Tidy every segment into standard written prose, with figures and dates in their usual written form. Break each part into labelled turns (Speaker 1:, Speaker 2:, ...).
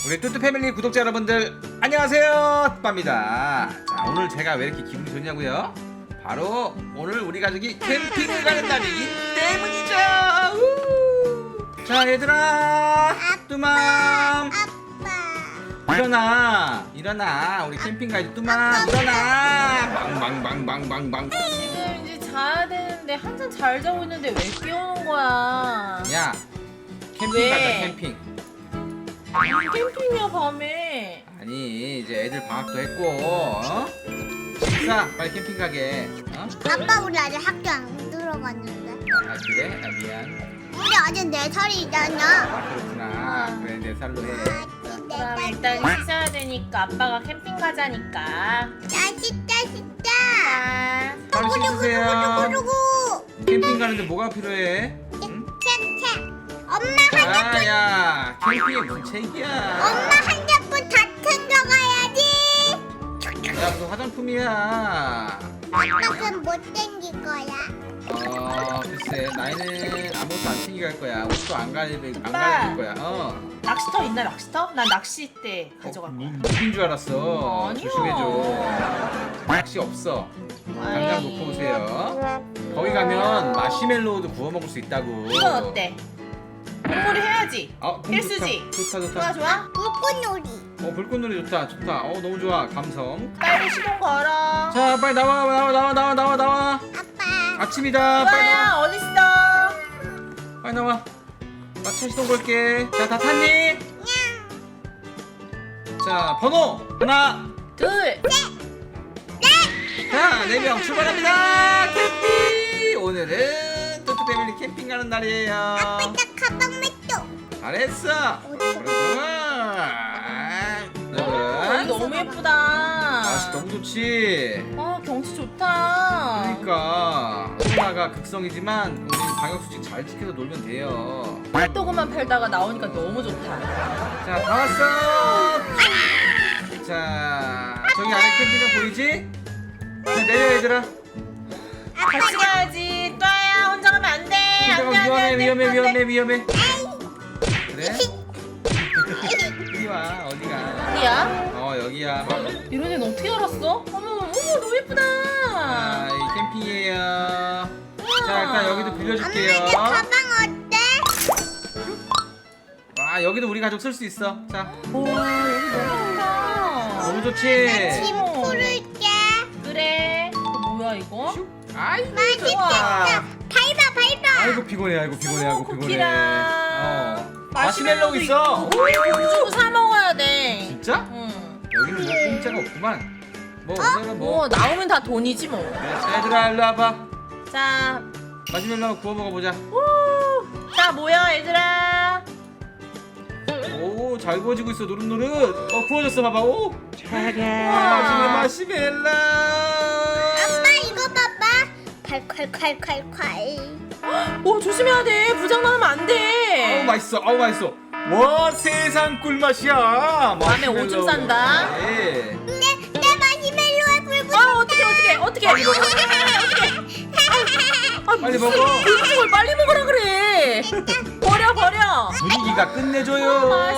Speaker 1: 우리 뚜뚜 패밀리 구독자 여러분들 안녕하세요, 뚜빠입니다. 자, 오늘 제가 왜 이렇게 기분이 좋냐고요? 바로 오늘 우리 가족이 캠핑을 가는 날이기 때문이죠. 자, 얘들아, 뚜맘 일어나 우리 캠핑 가야지. 뚜맘 일어나. 망망망망망망.
Speaker 2: 지금 이제 자야 되는데 한참 잘 자고 있는데 왜 깨우는 거야?
Speaker 1: 야, 캠핑
Speaker 2: 왜?
Speaker 1: 가자. 캠핑.
Speaker 2: 무슨 캠핑이야 밤에?
Speaker 1: 아니, 이제 애들 방학도 했고, 어? 식사 빨리 캠핑 가게. 어?
Speaker 3: 아빠 우리 아직 학교 안 들어갔는데.
Speaker 1: 아, 그래? 아, 미안.
Speaker 3: 우리 아직 4살이잖아.
Speaker 1: 아, 그렇구나. 그래, 내 살로 해.
Speaker 2: 그럼 일단 씻어야 되니까 아빠가 캠핑 가자니까.
Speaker 3: 맛있다.
Speaker 2: 자,
Speaker 1: 빨리 씻으세요.
Speaker 3: 구구구구구구구.
Speaker 1: 캠핑 가는데 뭐가 필요해? 응?
Speaker 3: 책. 엄마
Speaker 1: 아, 야, 캠핑에 무슨 책이야?
Speaker 3: 엄마 핸드폰 다 챙겨가야지.
Speaker 1: 야, 무슨 화장품이야?
Speaker 3: 아빠 그럼 못 챙길 거야.
Speaker 1: 글쎄, 나이는 아무것도 안 챙겨갈 거야. 옷도 안 갈아입을 거야.
Speaker 2: 낚시터 있나 낚시터? 난 낚시 때 가져갈 거야.
Speaker 1: 무슨 줄 알았어?
Speaker 2: 아니야.
Speaker 1: 조심해줘. 낚시 없어. 당장
Speaker 2: 아이.
Speaker 1: 놓고 오세요. 거기 가면 마시멜로우도 구워 먹을 수 있다고.
Speaker 2: 이건 어때? 공놀이 해야지. 필수지.
Speaker 1: 좋다.
Speaker 2: 좋아?
Speaker 3: 불꽃놀이.
Speaker 1: 불꽃놀이 좋다. 너무 좋아. 감성.
Speaker 2: 빨리 시동 걸어.
Speaker 1: 자, 빨리 나와.
Speaker 3: 아빠.
Speaker 1: 아침이다. 빨리 나와.
Speaker 2: 좋아요. 어딨어?
Speaker 1: 빨리 나와. 나 차 시동 걸게. 자, 다 탔니? 자, 번호 하나.
Speaker 2: 둘.
Speaker 1: 자, 4명 출발합니다. 캠핑. 오늘은 뚜뚜 패밀리 캠핑 가는 날이에요.
Speaker 3: 아빠 나 가방 맷도.
Speaker 1: 잘했어.
Speaker 2: 여기 너무 예쁘다.
Speaker 1: 날씨 너무 좋지.
Speaker 2: 경치 좋다.
Speaker 1: 그러니까 코로나가 극성이지만 우리 방역 수칙 잘 지켜서 놀면 돼요.
Speaker 2: 핫도그만 팔다가 나오니까 너무 좋다.
Speaker 1: 자, 다 왔어. 자, 저기 안에 캠핑장 보이지? 자, 내려 얘들아.
Speaker 2: 같이 가야지. 또야 혼자 가면 안 돼. 안 돼, 안 돼, 안 돼, 안 돼.
Speaker 1: 위험해. 그래? 이리 와. 어디가?
Speaker 2: 어디야?
Speaker 1: 여기야.
Speaker 2: 이런 애는 어떻게 알았어? 어머 너무 예쁘다.
Speaker 1: 자, 이 캠핑이에요. 자, 일단 여기도 빌려줄게요.
Speaker 3: 엄마 내 가방 어때?
Speaker 1: 와, 여기도 우리 가족 쓸 수 있어. 자,
Speaker 2: 와 여기 너무 좋다.
Speaker 1: 너무 좋지?
Speaker 3: 짐 풀을게.
Speaker 2: 그래. 뭐야 이거?
Speaker 1: 아이고,
Speaker 3: 맛있겠다. 밟아.
Speaker 1: 아이고 피곤해.
Speaker 2: 쿠키랑
Speaker 1: 마시멜로우 있어.
Speaker 2: 돈 주고 사 먹어야 돼.
Speaker 1: 진짜?
Speaker 2: 응.
Speaker 1: 여기는 뭐 공짜가 없구만. 오늘은
Speaker 2: 뭐 나오면 다 돈이지 뭐.
Speaker 1: 자, 얘들아 일로 와봐.
Speaker 2: 자,
Speaker 1: 마시멜로우 구워 먹어보자.
Speaker 2: 자 모여 얘들아.
Speaker 1: 오, 잘 구워지고 있어. 노릇노릇. 구워졌어. 봐봐. 오. 마시멜로우.
Speaker 3: 아빠 이거 봐봐. 콸.
Speaker 2: 오 조심해야 돼. 부장 나면 안 돼.
Speaker 1: 맛있어. 와, 세상 꿀맛이야.
Speaker 2: 다음에 오줌 싼다.
Speaker 1: 네.
Speaker 3: 내 마시멜로에 불 붙여.
Speaker 2: 어떻게?
Speaker 1: 빨리 먹어.
Speaker 2: 음식을 빨리 먹으라 그래. 버려.
Speaker 1: 분위기가 끝내줘요.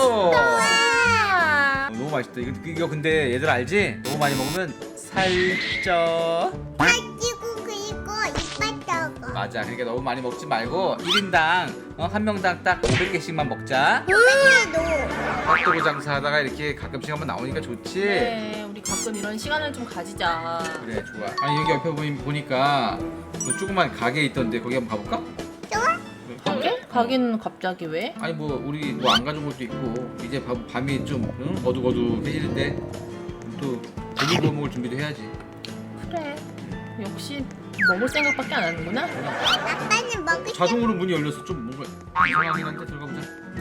Speaker 2: 맛있다.
Speaker 1: 너무 맛있다. 이거 근데 얘들 알지? 너무 많이 먹으면 살쪄.
Speaker 3: 살찌고 그리고 이빨 떠고.
Speaker 1: 맞아. 그러니까 너무 많이 먹지 말고 1인당 한 명당 딱 500개씩만 먹자.
Speaker 3: 오백개도.
Speaker 1: 핫도그 장사하다가 이렇게 가끔씩 한번 나오니까 좋지.
Speaker 2: 네, 우리 가끔 이런 시간을 좀 가지자.
Speaker 1: 그래, 좋아. 아니, 여기 옆에 보니까 또 조그만 가게 있던데 거기 한번 가볼까?
Speaker 3: 좋아?
Speaker 2: 가게? 가게는 갑자기 왜?
Speaker 1: 아니, 뭐 우리 뭐 안 가져온 것도 있고 이제 밤이 좀 어둑어둑해지는데 또 고기 구워 먹을 준비도 해야지.
Speaker 2: 그래. 역시 먹을 생각밖에 안 하는구나.
Speaker 3: 아빠는 먹을
Speaker 1: 자동으로 문이 열려서 좀 뭔가 이상하긴 한데 들어가보자.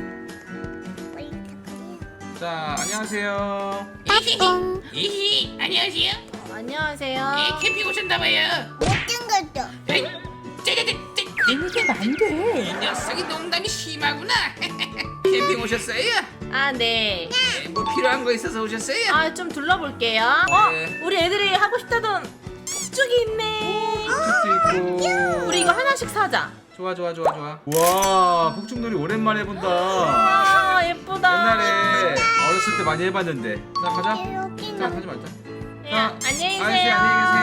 Speaker 1: 자, 안녕하세요.
Speaker 4: 이히 안녕하세요.
Speaker 2: 안녕하세요.
Speaker 4: 캠핑 오셨나봐요.
Speaker 3: 못된 것도.
Speaker 4: 짜자잔.
Speaker 2: 얘기하면 안 돼.
Speaker 4: 이 녀석이 농담이 심하구나. 캠핑 오셨어요?
Speaker 2: 아, 네.
Speaker 4: 네, 뭐 필요한 거 있어서 오셨어요?
Speaker 2: 아, 좀 둘러볼게요.
Speaker 1: 네.
Speaker 2: 우리 애들이 하고 싶다던 폭죽이 있네.
Speaker 1: 도 있고.
Speaker 2: 우리 이거 하나씩 사자.
Speaker 1: 좋아. 와, 폭죽놀이 오랜만에 본다.
Speaker 2: 와, 예쁘다.
Speaker 1: 옛날에 어렸을 어렸을 때 많이 해봤는데. 자 가자.
Speaker 3: 여기
Speaker 1: 자
Speaker 3: 너.
Speaker 1: 가지 말자.
Speaker 2: 예,
Speaker 1: 자,
Speaker 2: 안녕히
Speaker 1: 아저씨
Speaker 2: 계세요.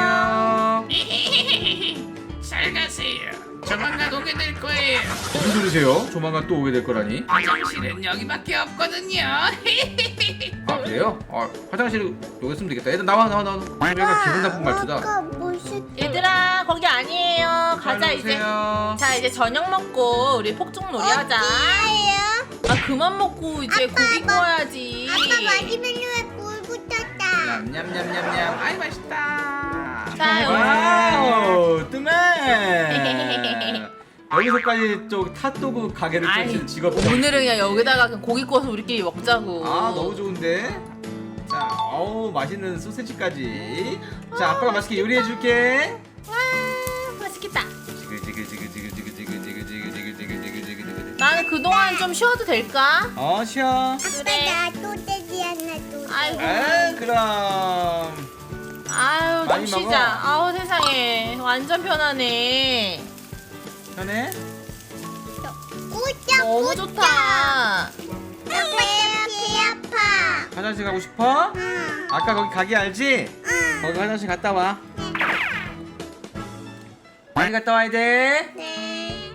Speaker 1: 안녕히 계세요.
Speaker 4: 잘 가세요. 조만간 오게 될 거예요.
Speaker 1: 무슨 소리세요? 조만간 또 오게 될 거라니.
Speaker 4: 화장실은 여기밖에 없거든요.
Speaker 1: 아 그래요? 아 화장실 여기 있으면 되겠다. 얘들 나와. 얘가 기분 나쁜 말투다.
Speaker 3: 아까 무슨
Speaker 2: 얘들아 거기 아니에요. 가자 이제.
Speaker 1: 오세요.
Speaker 2: 자 이제 저녁 먹고 우리 폭죽놀이 하자.
Speaker 3: 어디예요?
Speaker 2: 아 그만 먹고 이제
Speaker 3: 아빠,
Speaker 2: 고기
Speaker 3: 아빠.
Speaker 2: 구워야지.
Speaker 3: 아빠 마지막에 불 붙었다.
Speaker 1: 냠냠냠냠냠. 아이 맛있다.
Speaker 2: 자,
Speaker 1: 와우 뚱해. 여기서까지 좀 핫도그 가게를
Speaker 2: 아이,
Speaker 1: 펼치는 직업.
Speaker 2: 오늘은 그냥 여기다가 그냥 고기 구워서 우리끼리 먹자고.
Speaker 1: 아 너무 좋은데. 자, 어우 맛있는 소세지까지. 자, 아빠가 맛있게 요리해 줄게.
Speaker 2: 와 맛있겠다.
Speaker 1: 지글지글지글지글지글지글지글지글지글지글지글.
Speaker 2: 나는 그동안 좀 쉬어도 될까?
Speaker 1: 쉬어.
Speaker 2: 그래.
Speaker 3: 아빠 나 소세지 하나 줘.
Speaker 2: 아이고.
Speaker 1: 아, 그럼.
Speaker 2: 아유 좀
Speaker 1: 많이
Speaker 2: 쉬자.
Speaker 1: 먹어.
Speaker 2: 아우 세상에 완전 편하네.
Speaker 1: 편해?
Speaker 3: 꿀짝
Speaker 2: 너무 좋다.
Speaker 3: 아빠 배 아파.
Speaker 1: 화장실 가고 싶어?
Speaker 3: 응.
Speaker 1: 아까 거기 가게 알지?
Speaker 3: 응.
Speaker 1: 거기 화장실 갔다 와. 빨리 갔다 와야 돼.
Speaker 3: 네.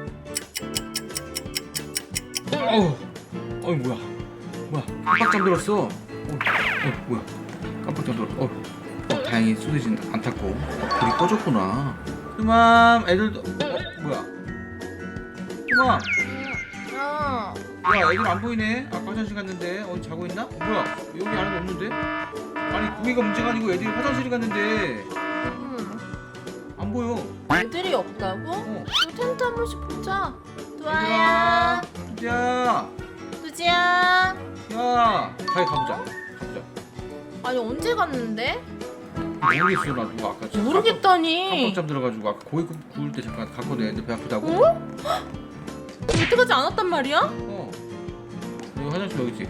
Speaker 1: 어우, 뭐야? 깜빡 잠들었어. 뭐야? 깜빡 잠들었어. 다행히 소리진 안 탔고. 불이 꺼졌구나. 뚜맘, 애들도. 뭐야? 뚜맘,
Speaker 2: 어.
Speaker 1: 야, 애들 안 보이네. 아까 화장실 갔는데 어디 자고 있나? 뭐야? 여기 안에 없는데? 아니 고기가 문제가 아니고 애들이 화장실 갔는데 안 보여.
Speaker 2: 애들이 없다고?
Speaker 1: 어.
Speaker 2: 또 텐트 한 번씩 보자.
Speaker 1: 얘들아,
Speaker 2: 두아야.
Speaker 1: 두지야,
Speaker 2: 두지야.
Speaker 1: 야, 가보자.
Speaker 2: 아니 언제 갔는데?
Speaker 1: 모르겠어 나도 아까 진짜
Speaker 2: 모르겠다니.
Speaker 1: 깜빡 잠들어가지고 아까 고기 구울 때 잠깐 갔거든. 애들 배 아프다고.
Speaker 2: 어? 여태까지 안 왔단 말이야?
Speaker 1: 여기 화장실 여기지.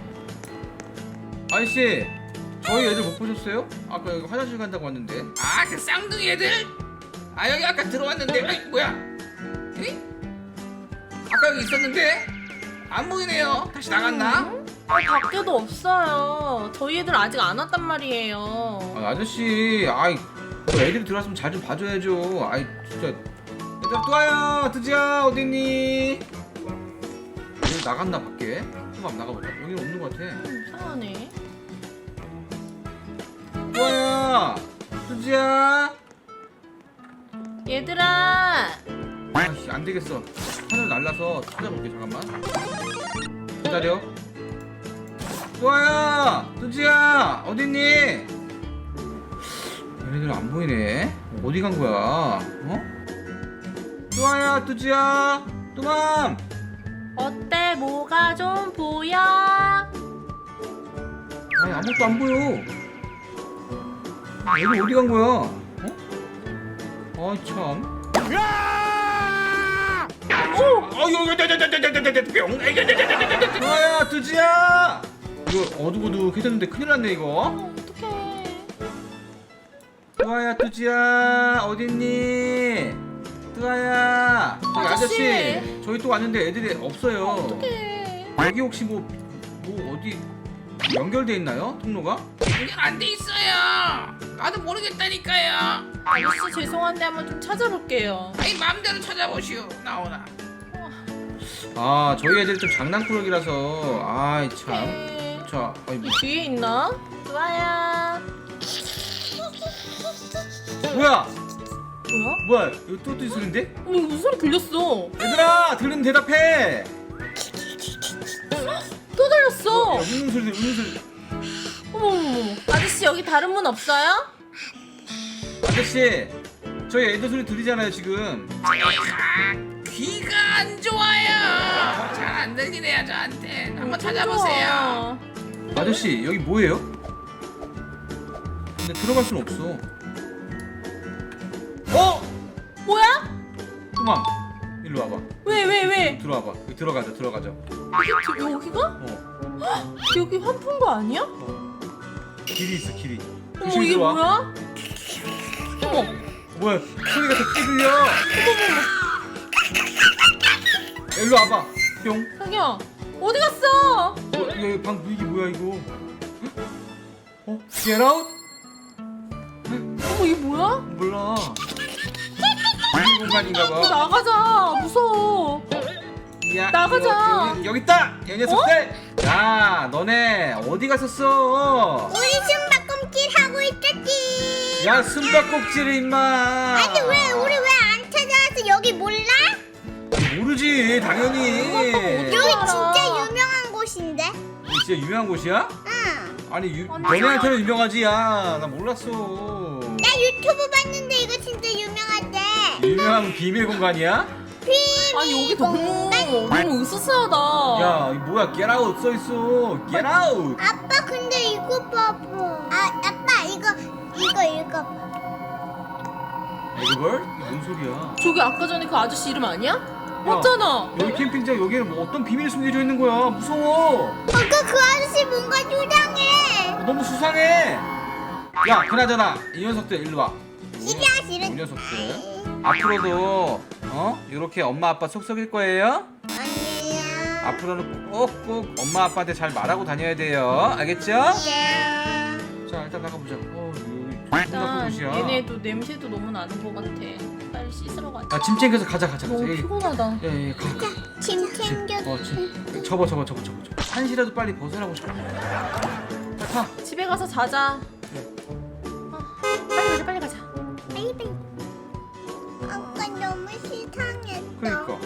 Speaker 1: 아저씨, 저희 애들 못 보셨어요? 아까 여기 화장실 간다고 왔는데.
Speaker 4: 아, 그 쌍둥이 애들? 아, 여기 아까 들어왔는데. 아이, 뭐야? 에? 아까 여기 있었는데? 안 보이네요. 다시 나갔나?
Speaker 2: 밖에도 없어요. 저희 애들 아직 안 왔단 말이에요.
Speaker 1: 아저씨, 아이 그 애들이 들어왔으면 잘 좀 봐줘야죠. 아이 진짜. 얘들아 또 와요. 드지야 어딨니? 여기 나갔나 밖에? 한번 나가보자. 여기는 없는 것 같아.
Speaker 2: 이상하네.
Speaker 1: 또 와요. 드지야.
Speaker 2: 얘들아.
Speaker 1: 아이씨 안 되겠어. 하늘 날라서 찾아볼게. 잠깐만. 기다려. 또 와요. 드지야 어딨니? 얘네들 안 보이네. 어디 간 거야? 어? 뚜아야, 뚜지야, 뚜맘.
Speaker 2: 어때? 뭐가 좀 보여?
Speaker 1: 아니 아무것도 안 보여. 얘들 어디 간 거야? 어? 아 참. 뚜아야, 뚜지야. 이거 어둑어둑해졌는데 큰일 났네 이거.
Speaker 2: 어떡해.
Speaker 1: 뚜아야, 뚜지야 어딨니? 뚜아야. 여기
Speaker 2: 아저씨.
Speaker 1: 저희 또 왔는데 애들이 없어요.
Speaker 2: 어떡해.
Speaker 1: 여기 혹시 뭐 어디 연결돼 있나요? 통로가?
Speaker 4: 연결 안 돼 있어요. 나도 모르겠다니까요.
Speaker 2: 아저씨 죄송한데 한번 좀 찾아볼게요.
Speaker 4: 아이, 마음대로 찾아보시오. 나오나.
Speaker 1: 아 저희 애들이 좀 장난꾸러기라서 아이 참.
Speaker 2: 어떡해.
Speaker 1: 자, 아이
Speaker 2: 이 뒤에 있나? 좋아야.
Speaker 1: 뭐야?
Speaker 2: 뭐야?
Speaker 1: 이거 뚜뚜 소리인데?
Speaker 2: 어머 이거 무슨 소리 들렸어?
Speaker 1: 얘들아 들리면 대답해.
Speaker 2: 또 들렸어.
Speaker 1: 웃는 소리 웃는 소리.
Speaker 2: 어머. 아저씨 여기 다른 문 없어요?
Speaker 1: 아저씨 저희 애들 소리 들리잖아요 지금.
Speaker 4: 귀가 안 좋아요. 잘 안 들리네요, 저한테. 한번 찾아보세요.
Speaker 1: 아저씨 여기 뭐예요? 근데 들어갈 순 없어. 어?
Speaker 2: 뭐야?
Speaker 1: 뚜맘 일로 와봐.
Speaker 2: 왜?
Speaker 1: 들어와봐. 여기 들어가자.
Speaker 2: 여기가?
Speaker 1: 어.
Speaker 2: 여기 환풍 거 아니야?
Speaker 1: 길이 있어 길이.
Speaker 2: 어머
Speaker 1: 조심히
Speaker 2: 이게
Speaker 1: 들어와.
Speaker 2: 뭐야? 어머
Speaker 1: 뭐야 소리가 더 크게 들려. 일로 와봐. 뿅.
Speaker 2: 자기야 어디 갔어?
Speaker 1: 이거 방 분위기 뭐야 이거? Get out?
Speaker 2: 어머 이게 뭐야?
Speaker 1: 몰라. 비밀 공간인가 봐.
Speaker 2: 나가자. 무서워.
Speaker 1: 야,
Speaker 2: 나가자.
Speaker 1: 여기 있다. 이 녀석들. 야, 너네 어디 갔었어?
Speaker 3: 우리 숨바꿈질 하고 있었지.
Speaker 1: 야, 숨바꼭질을 임마.
Speaker 3: 아니 왜 우리 왜 안 찾아와서 여기 몰라?
Speaker 1: 모르지, 당연히.
Speaker 3: 여기 진짜 유명한 곳인데.
Speaker 1: 진짜 유명한 곳이야?
Speaker 3: 응.
Speaker 1: 아니, 너네한테는 유명하지. 야, 나 몰랐어.
Speaker 3: 나 유튜브 봤는데 이거 진짜 유명하대.
Speaker 1: 유명한 비밀 공간이야?
Speaker 3: 비밀
Speaker 2: 아니 여기 너무 으스스하다.
Speaker 1: 야, 이거 뭐야? Get out 써 있어. Get out.
Speaker 3: 아빠 근데 이거 봐봐. 아빠 이거 읽어봐.
Speaker 1: 이걸? 이게 뭔 소리야?
Speaker 2: 저기 아까 전에 그 아저씨 이름 아니야? 맞잖아.
Speaker 1: 여기 캠핑장 여기는 뭐 어떤 비밀이 숨겨져 있는 거야? 무서워.
Speaker 3: 아까 그 아저씨 뭔가 수상해.
Speaker 1: 너무 수상해. 야, 그나저나 이 녀석들 일로 와.
Speaker 3: 싫어.
Speaker 1: 이 녀석들. 앞으로도 이렇게 엄마 아빠 속썩일 거예요?
Speaker 3: 아니야.
Speaker 1: 앞으로는 꼭꼭 엄마 아빠한테 잘 말하고 다녀야 돼요. 알겠죠?
Speaker 3: 야.
Speaker 1: 자, 일단 나가보자. 여기 존나 큰
Speaker 2: 일단
Speaker 1: 곳이야.
Speaker 2: 얘네도 냄새도 너무 나는 것 같아. 빨리 씻으러 가자.
Speaker 1: 야, 짐 챙겨서 가자.
Speaker 2: 너무
Speaker 1: 에이,
Speaker 2: 피곤하다.
Speaker 1: 가.
Speaker 3: 짐 챙겨.
Speaker 1: 짐. 접어. 한시라도 빨리 벗으라고 좀. 타.
Speaker 2: 집에 가서 자자. 빨리 가자.
Speaker 3: 빨리. 아까 너무 시상했어.
Speaker 1: 그러니까.